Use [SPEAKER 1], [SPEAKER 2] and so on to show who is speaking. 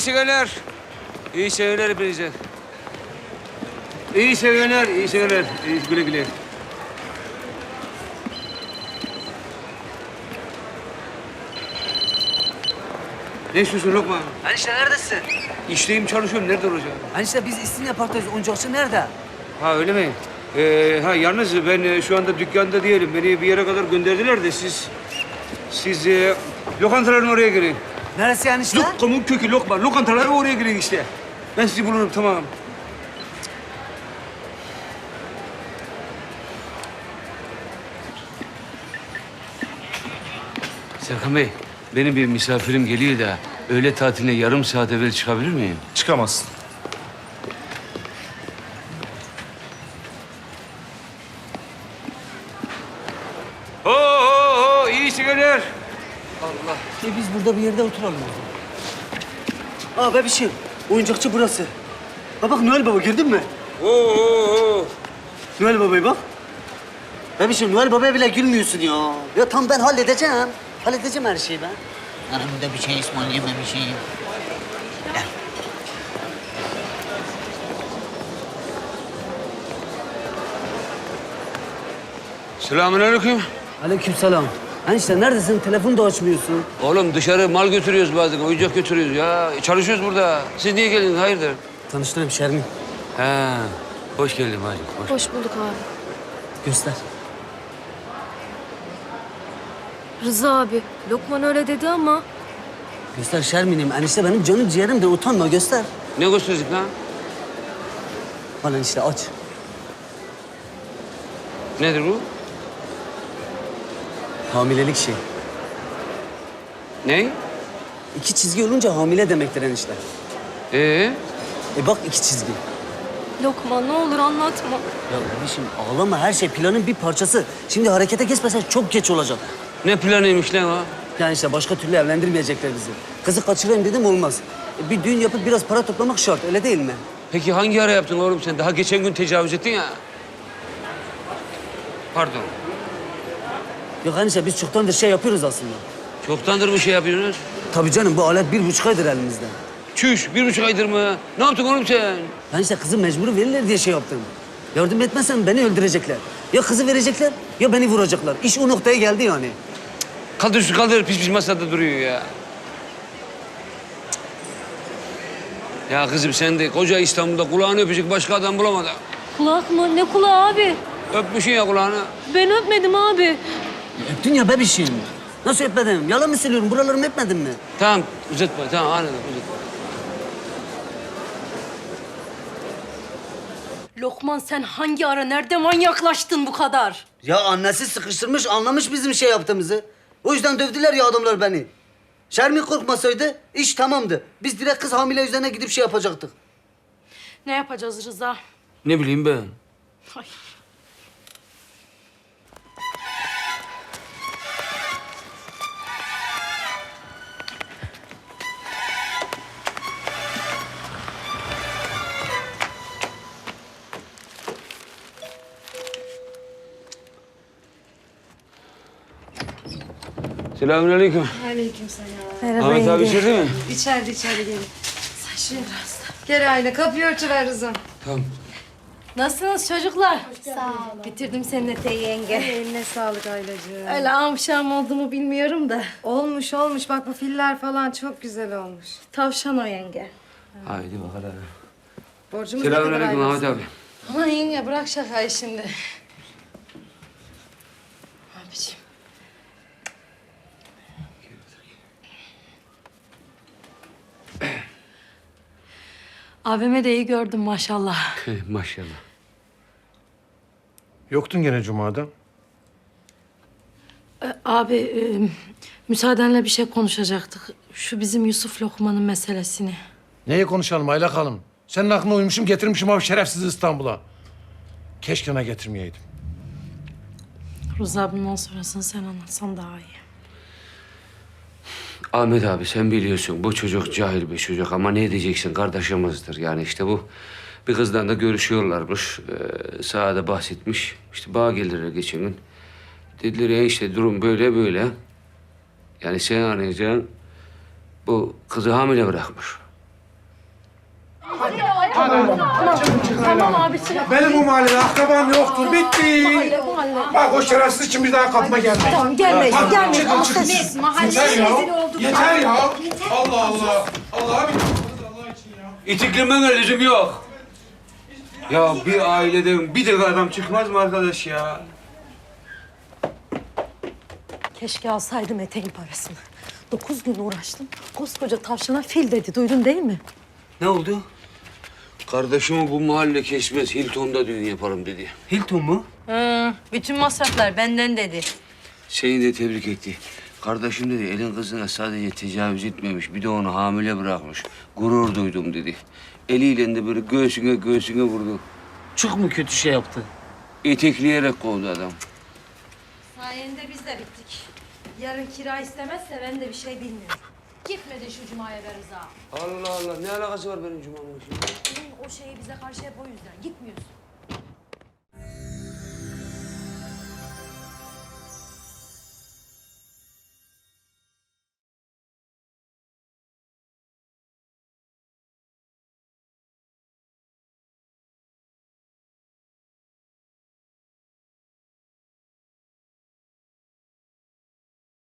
[SPEAKER 1] seneler. İyi seneler hepinize. İyi seneler, iyi seneler. İyi, güle güle. Ne istiyorsun Lokman?
[SPEAKER 2] Enişte neredesin?
[SPEAKER 1] İşteyim, çalışıyorum. Nerede olacağım?
[SPEAKER 2] Enişte biz İstinye Park'tayız. Oyuncakçı nerede?
[SPEAKER 1] Ha öyle mi? Yalnız ben şu anda dükkanda değilim. Beni bir yere kadar gönderdiler de siz lokantaların oraya girin.
[SPEAKER 2] Neresi enişte?
[SPEAKER 1] Lokmanın kökü Lokman. Lokantalara oraya girin işte. Ben sizi bulurum, tamam. Serkan Bey, benim bir misafirim geliyor da öğle tatiline yarım saat evvel çıkabilir miyim?
[SPEAKER 3] Çıkamazsın.
[SPEAKER 1] Ho, iyi seneler.
[SPEAKER 2] Biz burada bir yerde oturalım. Aa bebişim, oyuncakçı burası. Ha bak Noel Baba gördün mü?
[SPEAKER 1] Oo.
[SPEAKER 2] Noel Baba'yı bak. Bebişim Noel Baba'ya bile gülmüyorsun ya. Ya tam ben halledeceğim. Halledeceğim her şeyi ben.
[SPEAKER 4] Aramda bir şey ısmarlayamemişim. Gel.
[SPEAKER 1] Selamünaleyküm.
[SPEAKER 2] Aleykümselam. Enişte neredesin? Telefonu da açmıyorsun.
[SPEAKER 1] Oğlum dışarı mal götürüyoruz bazen, oyuncak götürüyoruz ya. Çalışıyoruz burada. Siz niye geldiniz, hayırdır?
[SPEAKER 2] Tanıştırayım Şermin.
[SPEAKER 1] Ha, hoş geldin hacı.
[SPEAKER 5] Hoş bulduk abi.
[SPEAKER 2] Göster.
[SPEAKER 5] Rıza abi, Lokman öyle dedi ama
[SPEAKER 2] Göster Şermin'im. Enişte benim canım ciğerim de utanma göster.
[SPEAKER 1] Ne gösterdik lan?
[SPEAKER 2] Bana enişte aç.
[SPEAKER 1] Nedir bu?
[SPEAKER 2] Hamilelik şey.
[SPEAKER 1] Ne?
[SPEAKER 2] 2 çizgi olunca hamile demektir enişte. Bak 2 çizgi.
[SPEAKER 5] Lokman ne olur anlatma.
[SPEAKER 2] Ya kardeşim ağlama her şey planın bir parçası. Şimdi harekete geçmesen çok geç olacak.
[SPEAKER 1] Ne planıymış lan o?
[SPEAKER 2] Yani işte başka türlü evlendirmeyecekler bizi. Kızı kaçırayım dedim olmaz. Bir düğün yapıp biraz para toplamak şart öyle değil mi?
[SPEAKER 1] Peki hangi ara yaptın oğlum sen? Daha geçen gün tecavüz ettin ya. Pardon.
[SPEAKER 2] Yok enişte biz çoktandır şey yapıyoruz aslında.
[SPEAKER 1] Çoktandır mı şey yapıyorsunuz?
[SPEAKER 2] Tabii canım bu alet 1,5 aydır elimizde.
[SPEAKER 1] Çüş, 1,5 aydır mı? Ne yaptın oğlum sen?
[SPEAKER 2] Ben işte kızı mecbur verirler diye şey yaptım. Yardım etmezsen beni öldürecekler. Ya kızı verecekler ya beni vuracaklar. İş o noktaya geldi yani.
[SPEAKER 1] Kaldır şu kaldır, pis pis masada duruyor ya. Ya kızım sen de koca İstanbul'da kulağını öpecek başka adam bulamadın.
[SPEAKER 5] Kulak mı? Ne kulağı abi?
[SPEAKER 1] Öpmüşsün ya kulağını.
[SPEAKER 5] Ben öpmedim abi.
[SPEAKER 2] Öptün ya bebişim. Nasıl öpmedim? Yalan mı söylüyorum? Buralarımı öpmedin mi?
[SPEAKER 1] Tamam, uzatma. Tamam, anladım, uzatma.
[SPEAKER 5] Lokman sen hangi ara nerede manyaklaştın bu kadar?
[SPEAKER 2] Ya annesi sıkıştırmış, anlamış bizim şey yaptığımızı. O yüzden dövdüler ya adamlar beni. Şermin korkmasaydı iş tamamdı. Biz direkt kız hamile üzerine gidip şey yapacaktık.
[SPEAKER 5] Ne yapacağız Rıza?
[SPEAKER 1] Ne bileyim ben.
[SPEAKER 5] Ay.
[SPEAKER 1] Selamünaleyküm.
[SPEAKER 6] Merhaba
[SPEAKER 1] Ahmet abi
[SPEAKER 6] yenge.
[SPEAKER 1] içeride mi?
[SPEAKER 6] İçeride gelin. Sen şuraya biraz da. Gel Ayla kapıyı örtüver Rıza'm.
[SPEAKER 1] Tamam.
[SPEAKER 5] Nasılsınız çocuklar? Sağ olun. Bitirdim senin eteği yenge.
[SPEAKER 6] Eline sağlık Aylacığım.
[SPEAKER 5] Öyle amşam oldu mu bilmiyorum da.
[SPEAKER 6] Olmuş olmuş bak bu filler falan çok güzel olmuş.
[SPEAKER 5] Tavşan o yenge.
[SPEAKER 1] Haydi bakalım.
[SPEAKER 6] Borcumuz ne kadar
[SPEAKER 1] Selamünaleyküm
[SPEAKER 6] Ayla?
[SPEAKER 1] Ahmet abi.
[SPEAKER 5] Aman yenge bırak şakayı şimdi. Abiciğim. Abime de iyi gördüm maşallah.
[SPEAKER 1] Maşallah.
[SPEAKER 3] Yoktun gene Cuma'da.
[SPEAKER 5] Abi müsaadenle bir şey konuşacaktık. Şu bizim Yusuf Lokman'ın meselesini.
[SPEAKER 3] Neye konuşalım Aylak Hanım? Senin aklına uymuşum getirmişim o şerefsiz İstanbul'a. Keşke ona getirmeyeydim.
[SPEAKER 5] Rıza bundan sonrasını sen anlatsan daha iyi.
[SPEAKER 1] Ahmet abi sen biliyorsun bu çocuk cahil bir çocuk ama ne diyeceksin kardeşimizdir. Yani işte bu bir kızdan da görüşüyorlarmış. Sağa da bahsetmiş. İşte bana geldiler geçen gün. Dediler ya işte durum böyle böyle. Yani sen anlayacaksın bu kızı hamile bırakmış.
[SPEAKER 5] Tamam abi çık.
[SPEAKER 3] Benim bu mahallede akrabam yoktur. Bitti.
[SPEAKER 5] Mahalle.
[SPEAKER 3] Bak o şerefsiz için bir daha kapma gelmeyin.
[SPEAKER 5] Tamam gelmeyin,
[SPEAKER 3] Tamam,
[SPEAKER 5] gelmeyin.
[SPEAKER 3] çıkın,
[SPEAKER 5] Ama
[SPEAKER 3] çıkın.
[SPEAKER 5] siz-
[SPEAKER 3] Yeter ya. Yeter ya. Allah Allah. Allah'a bir Allah için ya.
[SPEAKER 1] İtiklememe lüzum yok. Ya bir aileden bir de adam çıkmaz mı arkadaş ya?
[SPEAKER 5] Keşke alsaydım eteğin parasını. 9 gün uğraştım. Koskoca tavşana fil dedi. Duydun değil mi?
[SPEAKER 1] Ne oldu? Kardeşimi bu mahalle kesmez. Hilton'da düğün yaparım dedi. Hilton mu?
[SPEAKER 6] Bütün masraflar benden dedi.
[SPEAKER 1] Seni de tebrik etti. Kardeşim dedi elin kızına sadece tecavüz etmemiş. Bir de onu hamile bırakmış. Gurur duydum dedi. Eliyle de böyle göğsüne vurdu.
[SPEAKER 2] Çok mu kötü şey yaptı?
[SPEAKER 1] İtekleyerek kovdu adam.
[SPEAKER 5] Sayende biz de bittik. Yarın kira istemezse ben de bir şey bilmiyorum. Gitmedi şu cumaya be Rıza.
[SPEAKER 1] Allah Allah ne alakası var benim cumamla şimdi?
[SPEAKER 5] Senin o şeyi bize karşı hep o yüzden. Gitmiyorsun.